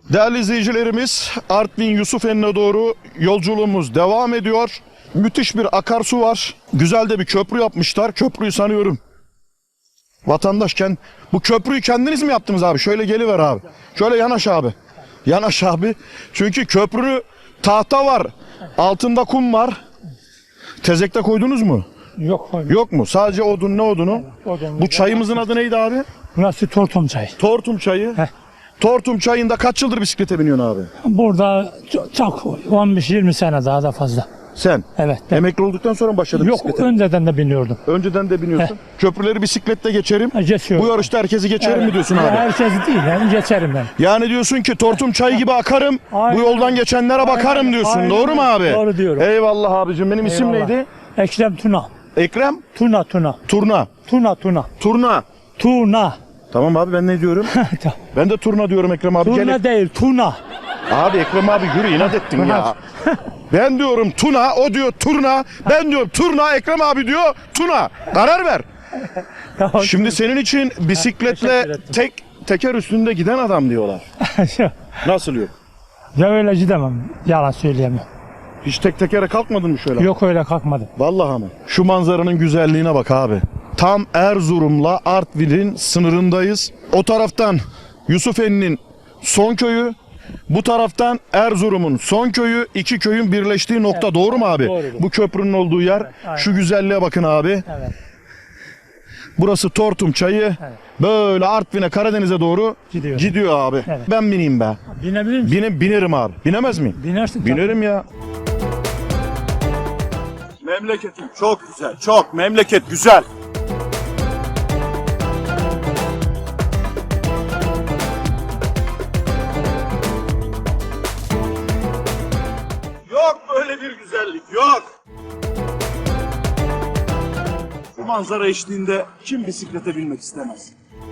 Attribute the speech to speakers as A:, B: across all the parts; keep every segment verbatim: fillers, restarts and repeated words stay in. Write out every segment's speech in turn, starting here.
A: Değerli izleyicilerimiz, Artvin Yusufeli'ne doğru yolculuğumuz devam ediyor. Müthiş bir akarsu var. Güzel de bir köprü yapmışlar. Köprüyü sanıyorum vatandaşken, bu köprüyü kendiniz mi yaptınız abi? Şöyle geliver abi. Şöyle yanaş abi. Yanaş abi. Çünkü köprü tahta var. Altında kum var. Tezekte koydunuz mu?
B: Yok koymadım.
A: Yok mu? Sadece odun. Ne odunu?
B: Odun.
A: Bu çayımızın adı neydi abi?
B: Burası Tortum çayı.
A: Tortum çayı.
B: Heh.
A: Tortum çayında kaç yıldır bisiklete biniyorsun abi?
B: Burada çok, çok on beş yirmi sene daha da fazla.
A: Sen?
B: Evet. Ben,
A: Emekli olduktan sonra mı başladın
B: yok
A: bisiklete?
B: önceden de biniyordum.
A: Önceden de biniyorsun. Köprüleri bisikletle geçerim.
B: Ha, geçiyorum.
A: Bu yarışta herkesi geçerim
B: Evet.
A: mi diyorsun
B: Ya,
A: abi?
B: herkes değil yani geçerim ben.
A: Yani diyorsun ki Tortum çayı gibi akarım.
B: Aynen.
A: Bu yoldan geçenlere bakarım
B: Aynen.
A: diyorsun.
B: Aynen.
A: Doğru mu abi?
B: Doğru diyorum.
A: Eyvallah abicim. Benim isim
B: Eyvallah.
A: neydi?
B: Ekrem Tuna.
A: Ekrem
B: Tuna Tuna.
A: Turna.
B: Tuna Tuna.
A: Turna.
B: Tuna.
A: Tamam abi, ben ne diyorum? Ben de Turna diyorum Ekrem abi.
B: Tuna
A: Gel.
B: değil Tuna.
A: Abi Ekrem abi yürü, inat ettin ya. Ben diyorum Tuna, o diyor Turna. Ben diyorum Turna, Ekrem abi diyor Tuna. Karar ver. Şimdi senin için bisikletle
B: Teşekkür ederim.
A: tek teker üstünde giden adam diyorlar. Nasıl yok?
B: Ya öyle gidemem. Yalan söyleyemem.
A: Hiç tek tekere kalkmadın mı şöyle?
B: Yok öyle kalkmadım.
A: Vallahi ama. Şu manzaranın güzelliğine bak abi. Tam Erzurum'la Artvin'in sınırındayız. O taraftan Yusufeli'nin son köyü, bu taraftan Erzurum'un son köyü, iki köyün birleştiği nokta. Doğru mu abi?
B: Doğrudur.
A: Bu köprünün olduğu yer.
B: aynen.
A: Şu güzelliğe bakın abi.
B: Evet.
A: Burası Tortum çayı. Böyle Artvin'e, Karadeniz'e doğru
B: Gidiyor.
A: gidiyor abi.
B: Evet.
A: Ben bineyim be.
B: Binebilir misin?
A: Bine, binerim abi. Binemez miyim?
B: Binersin. tabii.
A: Binerim ya. Memleketim çok güzel, çok. Memleket güzel. Yok böyle bir güzellik, yok. Bu manzara eşliğinde kim bisiklete binmek istemez?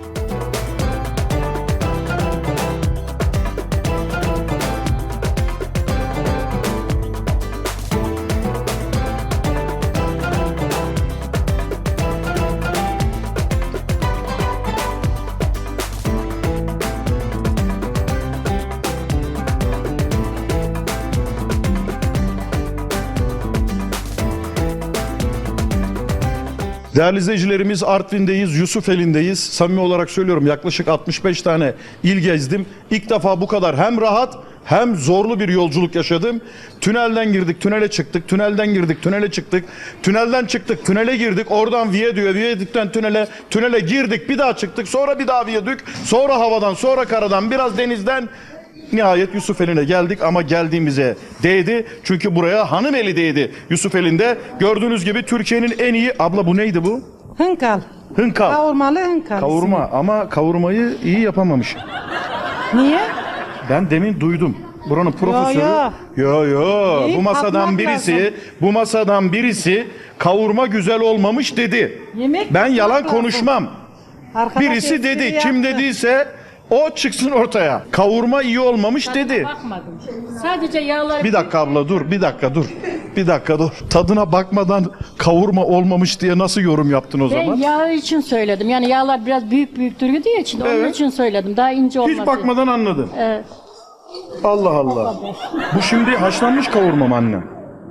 A: Değerli izleyicilerimiz, Artvin'deyiz, Yusufeli'ndeyiz. Samimi olarak söylüyorum, yaklaşık altmış beş tane il gezdim. İlk defa bu kadar hem rahat hem zorlu bir yolculuk yaşadım. Tünelden girdik, tünele çıktık, tünelden girdik, tünele çıktık, tünelden çıktık, tünele girdik, oradan viyadüğe, viyadükten tünele, tünele girdik, bir daha çıktık, sonra bir daha viyadük, sonra havadan, sonra karadan, biraz denizden. Nihayet Yusufeli'ne geldik ama geldiğimize değdi. Çünkü buraya Hanımeli değdi Yusufeli'nde. Gördüğünüz gibi Türkiye'nin en iyi... Abla bu neydi bu?
C: Hınkal.
A: Hınkal.
C: Kavurmalı hınkal.
A: Kavurma ama kavurmayı iyi yapamamış.
C: Niye?
A: Ben demin duydum. Buranın profesörü.
C: yo.
A: Yo yo.
C: İyi,
A: Bu masadan
C: tatmak
A: birisi,
C: lazım.
A: bu masadan birisi kavurma güzel olmamış dedi.
C: Yemek
A: Ben yalan
C: tatmak lazım.
A: konuşmam.
C: Arkadaş
A: Birisi
C: espri
A: dedi. Kim
C: yaptı.
A: dediyse o çıksın ortaya. Kavurma iyi olmamış dedi.
D: Bakmadım. Sadece yağlar.
A: Bir dakika abla dur, bir dakika dur. Bir dakika dur. Tadına bakmadan kavurma olmamış diye nasıl yorum yaptın o
D: Ben
A: zaman?
D: yağ için söyledim. Yani yağlar biraz büyük büyük duruyor için onun
A: Evet.
D: için söyledim. Daha ince olması.
A: Hiç bakmadan anladın.
D: Evet.
A: Allah Allah. Bu şimdi haşlanmış kavurma mı anne?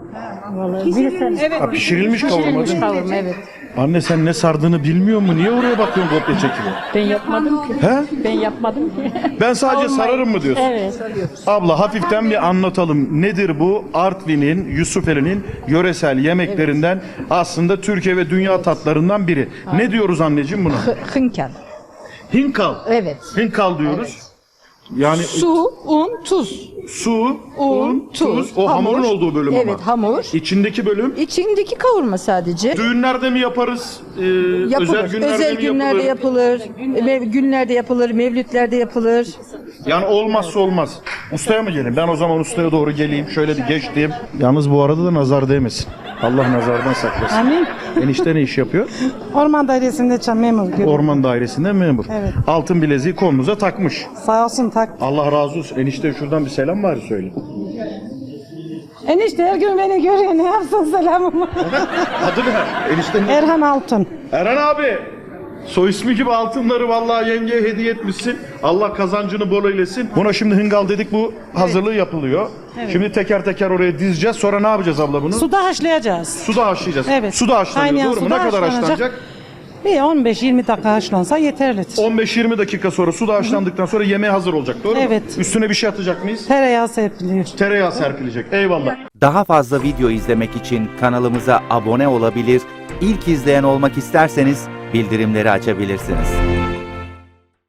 C: Evet.
A: Ha, pişirilmiş kavurma
D: Pişirilmiş
A: değil mi?
D: kavurma, evet.
A: Anne sen ne sardığını bilmiyor mu? Niye oraya bakıyorsun kopya çekiyor?
D: Ben yapmadım ki.
A: He?
D: Ben yapmadım ki.
A: Ben sadece
D: Kavurmayı-
A: sararım mı diyorsun?
D: Evet.
A: Abla hafiften bir anlatalım. Nedir bu? Artvin'in, Yusufeli'nin yöresel yemeklerinden, aslında Türkiye ve dünya tatlarından biri. Ne diyoruz anneciğim buna?
C: Hınkal.
A: Hinkal.
C: Evet.
A: Hinkal diyoruz. Yani
C: Su, un, tuz.
A: su,
C: Un, tuz.
A: O
C: hamur.
A: hamurun olduğu bölüm
C: Evet,
A: ama.
C: hamur.
A: İçindeki bölüm
C: İçindeki kavurma sadece.
A: düğünlerde mi yaparız? Ee,
C: Yapılır.
A: özel günlerde
C: Özel
A: mi
C: günlerde
A: yapılır?
C: yapılır. Mev- günlerde yapılır, mevlütlerde yapılır.
A: Yani olmazsa olmaz. Ustaya mı geleyim? Ben o zaman ustaya doğru geleyim. Şöyle bir geçtiğim. Yalnız bu arada da nazar değmesin. Allah nazardan saklasın.
E: Amin.
A: Enişte ne iş yapıyor?
E: Orman dairesinde çam memur gibi.
A: Orman dairesinde memur.
E: Evet.
A: Altın bileziği kolunuza takmış.
E: Sağ olsun tak.
A: Allah razı olsun. Enişte şuradan bir selam bari söyle.
E: Enişte her gün beni görüyor, ne yapsın selamımı.
A: Adı ne? Enişte ne?
E: Erhan Altun.
A: Eren abi. Soy ismi gibi altınları vallahi yengeye hediye etmişsin. Allah kazancını bol eylesin. Buna şimdi hıngal dedik, bu hazırlığı yapılıyor. Şimdi teker teker oraya dizeceğiz. Sonra ne yapacağız abla bunu?
E: Suda haşlayacağız.
A: Suda haşlayacağız.
E: Evet.
A: Suda haşlanıyor,
E: Kaynayan
A: doğru mu?
E: suda
A: Ne kadar
E: haşlanacak.
A: haşlanacak?
E: Bir on beş yirmi dakika haşlansa yeterlidir.
A: on beş yirmi dakika sonra suda haşlandıktan sonra yemeğe hazır olacak, doğru mu?
E: Evet.
A: Üstüne bir şey atacak mıyız?
E: Tereyağı serpiliyor.
A: Tereyağı serpilecek. Eyvallah.
F: Daha fazla video izlemek için kanalımıza abone olabilir, ilk izleyen olmak isterseniz bildirimleri açabilirsiniz.